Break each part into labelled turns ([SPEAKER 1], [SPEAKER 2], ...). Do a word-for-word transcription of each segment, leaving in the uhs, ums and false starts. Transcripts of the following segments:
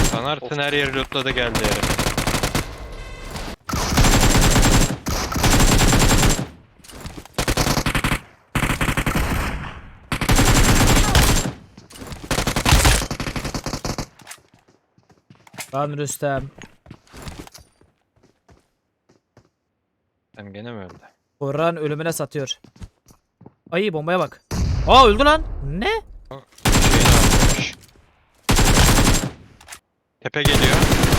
[SPEAKER 1] Sanartın her yeri lootladı geldi herif.
[SPEAKER 2] Lan Rüstem.
[SPEAKER 1] Sen gene mi öldü?
[SPEAKER 2] Kur'an ölümüne satıyor. Ay bombaya bak. Aa öldü lan. Ne?
[SPEAKER 1] Şeyini atmış. Tepe geliyor.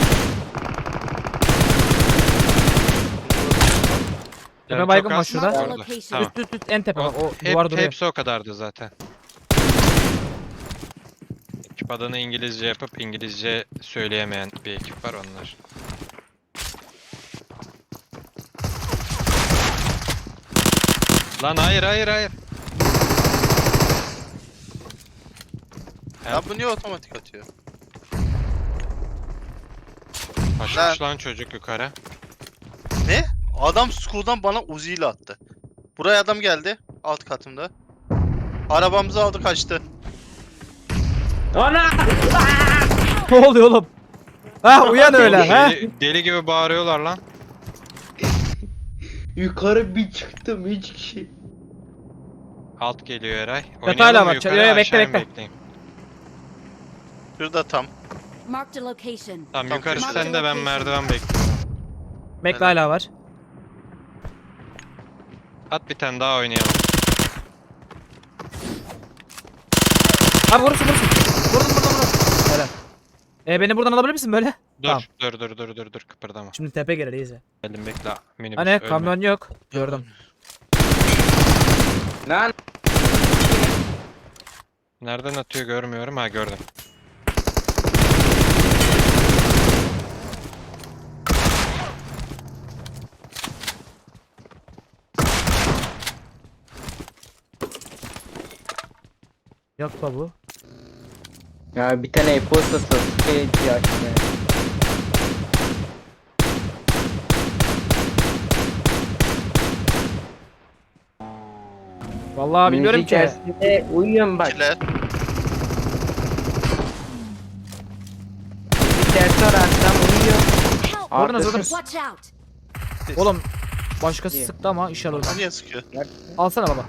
[SPEAKER 2] Tepe
[SPEAKER 1] Yani
[SPEAKER 2] baygın
[SPEAKER 1] çok
[SPEAKER 2] var
[SPEAKER 1] az.
[SPEAKER 2] şurada.
[SPEAKER 1] Orada. Tamam.
[SPEAKER 2] Üst üst üst en tepe bak. O
[SPEAKER 1] Hep,
[SPEAKER 2] duvar duruyor.
[SPEAKER 1] hepsi o kadardı zaten. Ekip adını İngilizce yapıp İngilizce söyleyemeyen bir ekip var onlar. Lan hayır hayır hayır.
[SPEAKER 3] Ya bu niye otomatik atıyor?
[SPEAKER 1] Kaçmış lan çocuk yukarı.
[SPEAKER 3] Ne? Adam school'dan bana Uzi ile attı. Buraya adam geldi. Alt katımda. Arabamızı aldı kaçtı.
[SPEAKER 4] Ana!
[SPEAKER 2] Ne oluyor oğlum? Ha uyan öyle ha.
[SPEAKER 1] Deli, deli gibi bağırıyorlar lan.
[SPEAKER 4] Yukarı bir çıktım hiç kişi.
[SPEAKER 1] Alt geliyor Eray.
[SPEAKER 2] Detayla
[SPEAKER 1] Oynayalım mı
[SPEAKER 2] bak,
[SPEAKER 1] yukarı,
[SPEAKER 2] yo, yo, bekle,
[SPEAKER 1] aşağıya mı
[SPEAKER 2] bekle.
[SPEAKER 1] bekleyeyim?
[SPEAKER 3] Şurada tam.
[SPEAKER 5] Marked a location.
[SPEAKER 1] Tamam
[SPEAKER 3] Tam
[SPEAKER 1] yukarı
[SPEAKER 3] köşede.
[SPEAKER 1] sen de ben merdiven bekliyorum.
[SPEAKER 2] Bekle hala var.
[SPEAKER 1] At bir tane daha oynayalım.
[SPEAKER 2] Abi vurursun vurursun. Vurdum vurdum vurdum. Helal. E beni buradan alabilir misin böyle?
[SPEAKER 1] Dur
[SPEAKER 2] Tamam.
[SPEAKER 1] dur dur dur dur dur kıpırdama.
[SPEAKER 2] Şimdi tepe gelir iyice.
[SPEAKER 1] Geldim bekle minibüs
[SPEAKER 2] Hani
[SPEAKER 1] ölme.
[SPEAKER 2] kamyon yok. Gördüm.
[SPEAKER 4] Lan
[SPEAKER 1] Nereden atıyor görmüyorum ha gördüm.
[SPEAKER 2] Yok da bu.
[SPEAKER 4] ya bir tane e-posta Sasuke ya işte.
[SPEAKER 2] Vallahi bilmiyorum
[SPEAKER 4] Müzik
[SPEAKER 2] ki.
[SPEAKER 4] dersinde uyuyorum bak.
[SPEAKER 3] İkiler.
[SPEAKER 4] Müzik dersi var akşam uyuyor.
[SPEAKER 5] Help!
[SPEAKER 2] Vurdunuz,
[SPEAKER 4] Arkası-
[SPEAKER 2] vurdunuz.
[SPEAKER 5] Watch out!
[SPEAKER 2] Oğlum başkası
[SPEAKER 4] İyi.
[SPEAKER 2] sıktı ama inşallah.
[SPEAKER 3] O niye sıkıyor?
[SPEAKER 2] Alsana baba.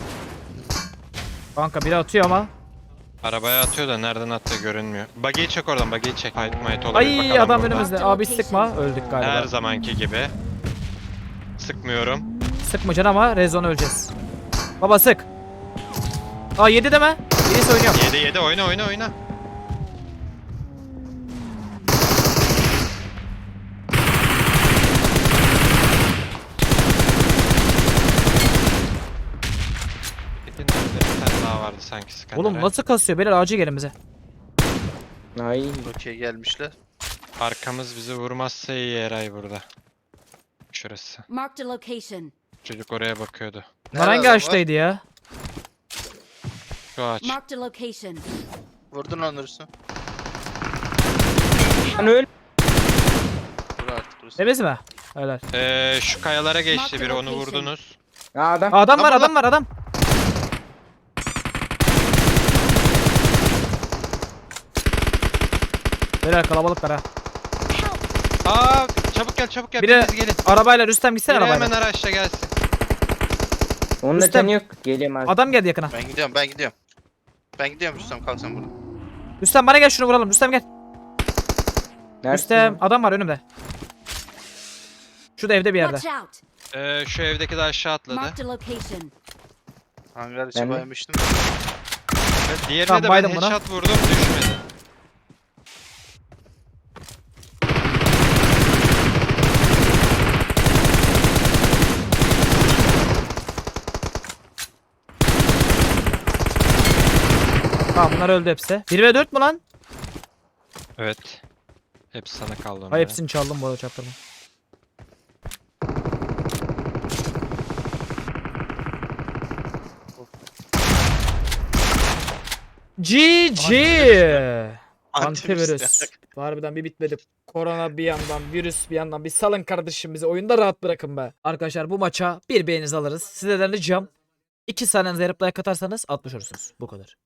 [SPEAKER 2] Kanka biri atıyor ama.
[SPEAKER 1] Arabaya atıyor da nereden attığı görünmüyor. Buggy'yi çek oradan buggy'yi çek. Fight might olabilir
[SPEAKER 2] Ay
[SPEAKER 1] bakalım
[SPEAKER 2] adam
[SPEAKER 1] burada.
[SPEAKER 2] önümüzde. Abi sıkma. Öldük galiba.
[SPEAKER 1] Her zamanki gibi. Sıkmıyorum.
[SPEAKER 2] Sıkmayacaksın ama rezon öleceğiz. Baba sık. Aa yedi deme. Birisi oynuyor.
[SPEAKER 1] yedi yedi oyna oyna oyna. Bir tane daha vardı sanki sıkan.
[SPEAKER 2] Oğlum
[SPEAKER 1] Eray.
[SPEAKER 2] nasıl kasıyor? Beyler acil gelin bize.
[SPEAKER 4] Ay
[SPEAKER 3] Okey gelmişler.
[SPEAKER 1] Arkamız bizi vurmazsa iyi Eray burada. Şurası.
[SPEAKER 5] Marked a location.
[SPEAKER 1] Çocuk oraya bakıyordu.
[SPEAKER 2] Bunlar
[SPEAKER 3] Nerede
[SPEAKER 2] hangi
[SPEAKER 3] adam var?
[SPEAKER 2] ağaçtaydı ya?
[SPEAKER 1] Şu ağaç.
[SPEAKER 5] Marked a location.
[SPEAKER 3] Vurdun onursun.
[SPEAKER 4] lan öl.
[SPEAKER 3] Vur artık burası.
[SPEAKER 2] Temiz mi? Helal.
[SPEAKER 1] Ee, şu kayalara geçti
[SPEAKER 5] Marked
[SPEAKER 1] biri onu
[SPEAKER 5] location.
[SPEAKER 1] vurdunuz.
[SPEAKER 4] Ya adam.
[SPEAKER 2] Aa, adam var
[SPEAKER 3] Adam
[SPEAKER 2] adam var adam. Beyler kalabalıklar ha.
[SPEAKER 5] Help!
[SPEAKER 1] Aa çabuk gel çabuk gel
[SPEAKER 2] Biri
[SPEAKER 1] biriniz gelin.
[SPEAKER 2] arabayla Rüstem gitsene
[SPEAKER 1] Biri
[SPEAKER 2] arabayla.
[SPEAKER 1] hemen araçla gelsin.
[SPEAKER 4] Onun da
[SPEAKER 2] Rüstem.
[SPEAKER 4] canı yok. Geliyorum abi.
[SPEAKER 2] Adam geldi yakına.
[SPEAKER 3] Ben gidiyorum ben gidiyorum. Ben gidiyorum Rüstem kalk sen burada.
[SPEAKER 2] Rüstem bana gel şunu vuralım. Rüstem gel.
[SPEAKER 4] Neredesin
[SPEAKER 2] Rüstem
[SPEAKER 4] lan?
[SPEAKER 2] adam var önümde. Şurada evde bir yerde.
[SPEAKER 5] Watch out!
[SPEAKER 1] Ee, şu evdeki de aşağı atladı.
[SPEAKER 5] Marked a location.
[SPEAKER 3] Hangar içi
[SPEAKER 4] Ben de.
[SPEAKER 3] baymıştım.
[SPEAKER 1] Evet, diğerine
[SPEAKER 2] Tamam,
[SPEAKER 1] de ben
[SPEAKER 2] baydım buna.
[SPEAKER 1] headshot vurdum düşmedi.
[SPEAKER 2] Tamam bunlar öldü hepsi. bir ve dört mü lan?
[SPEAKER 1] Evet. Hepsi sana kaldı
[SPEAKER 2] Hay
[SPEAKER 1] onların.
[SPEAKER 2] hepsini çaldım bu arada çaktırma. G G. Antivirüs. Harbiden bir bitmedi. Korona bir yandan, virüs bir yandan. Bir salın kardeşim bizi. Oyunda rahat bırakın be. Arkadaşlar bu maça bir beğeninizi alırız. Sizlerden ricam iki saniyenize yarıp like atarsanız atmış olursunuz. Bu kadar.